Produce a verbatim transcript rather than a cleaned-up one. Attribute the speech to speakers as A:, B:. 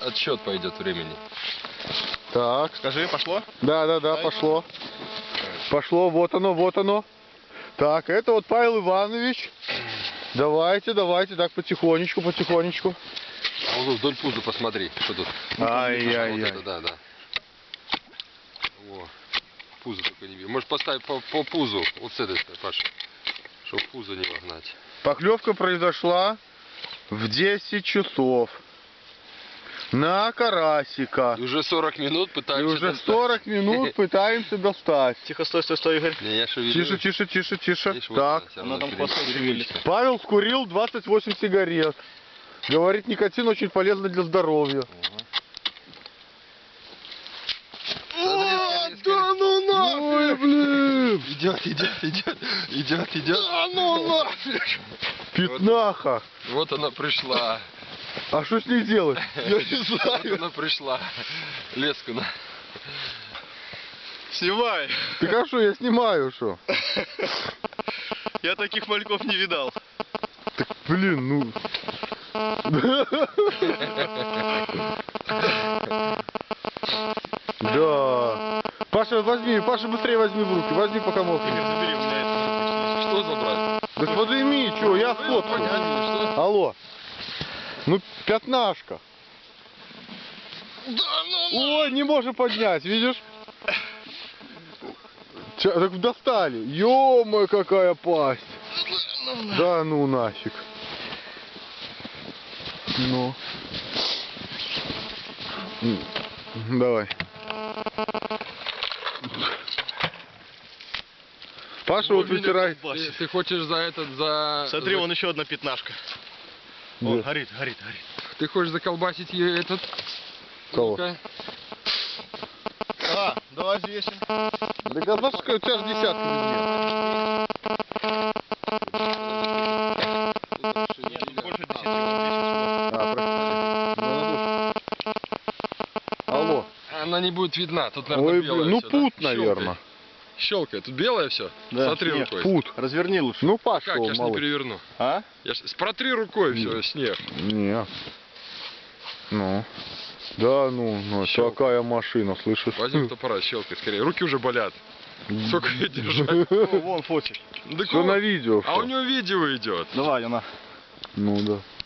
A: отсчет пойдет времени.
B: Так.
C: Скажи, пошло?
B: Да, да, да, пошло. Пошло, вот оно, вот оно. Так, это вот Павел Иванович. Давайте, давайте, так потихонечку, потихонечку.
A: А вот вдоль пуза посмотри, что тут.
B: Ай-яй-яй.
A: Вот это, да, да. Во. Пузо только не видно. Может поставить по, по пузу, вот с этой, Паша, чтобы пузо не вогнать.
B: Поклевка произошла в десять часов. На карасика.
A: И уже сорок минут
B: И
A: пытаемся
B: уже
A: достать.
B: сорок минут пытаемся достать.
C: Тихо, стой, стой, стой, Игорь.
A: Не, я шевелю.
B: Тише, тише, тише, тише.
A: Видишь, вот
B: Так.
A: она, всё
C: Она
A: равно
C: там
A: пере-
C: хвостом
A: перемелится.
B: Павел скурил двадцать восемь сигарет. Говорит, никотин очень полезно для здоровья.
A: Смотри, скорее, скорее.
B: Да ну нафиг, блин!
A: Идет, идет, идет, идет, идет.
B: Да ну нафиг! Пятнаха!
A: Вот она пришла.
B: А что с ней делать? Я не
A: Вот
B: знаю.
A: она пришла. Леску на.
C: Снимай.
B: Так а что, я снимаю, что?
C: Я таких мальков не видал.
B: Так, блин, ну... Да. Паша, возьми, Паша, быстрее возьми в руки. Возьми, пока мокрый.
C: Игорь, забери, у меня это...
A: Что забрать?
B: Так подними, что, я сфоткаю.
A: Понятно, что?
B: Алло. Ну, пятнашка.
C: Да ну
B: Ой, не можем поднять, видишь? Ча, так достали. Ё-моё, какая пасть. Да ну нафиг. Ну. М, Давай. Паша вот вытирает.
A: Ты, ты хочешь за этот, за...
C: Смотри,
A: за-
C: вон еще одна пятнашка.
B: Где?
C: О, горит, горит, горит.
A: Ты хочешь заколбасить ее этот?
B: Кого?
A: Ну-ка.
C: А, давай взвесим.
B: Да а что, у тебя же десятка
C: Нет, тут больше десяти, вон десять.
B: А, прости. Алло.
A: Она не будет видна, тут, наверное,
B: Ой,
A: белое
B: блин, ну
A: всё,
B: пут,
A: да?
B: наверное.
A: Щелкает. Тут белое все?
C: Да,
A: Смотри
C: снег,
A: рукой.
B: Пут.
C: Разверни лучше.
B: Ну,
A: Как?
B: пошел,
A: Я ж не
B: малыш.
A: переверну.
C: А?
A: Я ж... Протри рукой все, снег.
B: Не. Ну. Да, ну, ну
A: Щелк.
B: такая машина, слышишь?
A: Возьми фотоаппарат, щелкай скорее. Руки уже болят. Сколько ее держать?
C: О, вон фотик.
A: Да
B: Все
A: кого?
B: на видео.
A: А
B: всё.
A: у него видео идет.
C: Давай, она.
B: Ну да.